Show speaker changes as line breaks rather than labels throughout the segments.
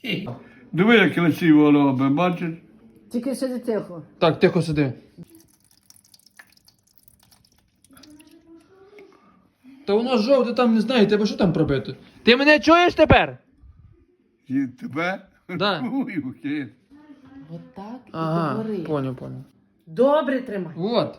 Диви, як красиво робить, бачиш?
Тільки сиди тихо.
Так, тихо сиди. Та воно жовте там, не знаю, тебе що там пробити? Ти мене чуєш тепер?
І тебе?
Да.
Ой, окей.
Отак і
Ага,
говори.
понял.
Добре тримай.
Вот.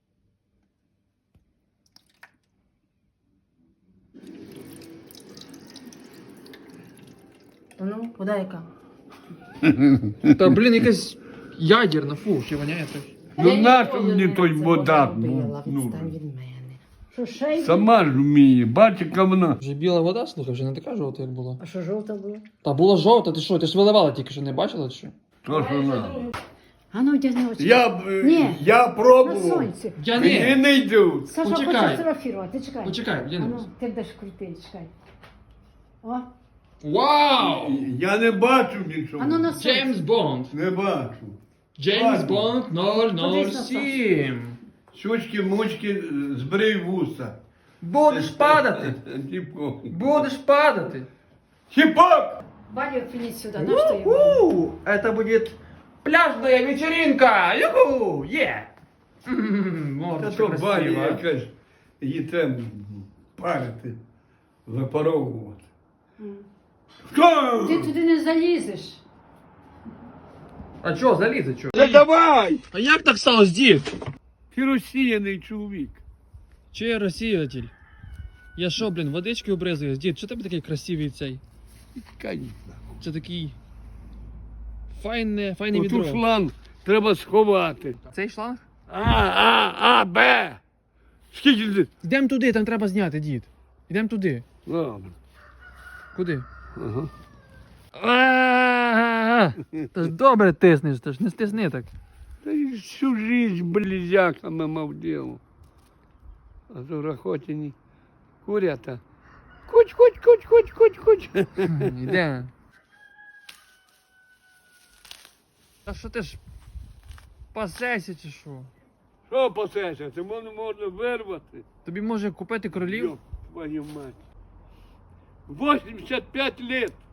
Ну, вода яка?
Та, блін, якась ядерна, фу, ще воняє так.
Ну
Я
нащо
ніколи
мені
не
той
це
вода?
робила,
Ну,
відстань від мене. Що, ще й?
сама ж вміє, бачиш, яка вона.
Вже біла вода, слухай, вже не така жовта, як була.
А що, жовта була?
Та була жовта, ти що? Ти ж виливала тільки що, не бачила чи що?
То ж вона.
А ну, одягни очі.
Я
На
пробував.
сонці.
Я
Мені
не.
не йдуть.
Саша
Почекай.
хоче фотографувати, чекай.
Почекай, я
А
не
ну,
буду.
ти будеш крутий, чекай. О,
Вау!
Я не бачу нічого.
а ну на сонці.
Джеймс Бонд.
Не бачу.
Джеймс
Ладно.
Бонд 007.
Щучки, мучки, збрий вуса.
Будеш падати.
Типу.
Будеш падати.
Хіп-хоп!
Валю, принеси сюда, на что я?
У-ху! Это будет пляжная вечеринка! Юху! Е!
Та
Мордочка
то баня
красива.
якась, її треба парити, випаровувати. Хто?
Ти туди не залізеш.
А чо, залізе, чо?
Та давай!
А як так сталося, дід?
Ти розсіяний чоловік.
Чи я розсіятель? Я що, блін, водички обризуюсь? Дід, що тебе такий красивий цей?
Конечно.
Це такий... Файне
Оту
відро.
шланг треба сховати.
Цей шланг?
Б. Скільки ти?
Йдемо туди, там треба зняти, дід. Йдемо туди.
Добре.
Куди?
Ага.
Та ж добре тиснеш, та ж не стисни так.
Та й всю жизнь близяками мав діло. А то рахотіні курята. Куч.
Йде. А що ти ж пасешся чи що?
Що пасешся? Це можна вирвати.
Тобі може купити кролів?
Йоп, твою мать. 85 лет.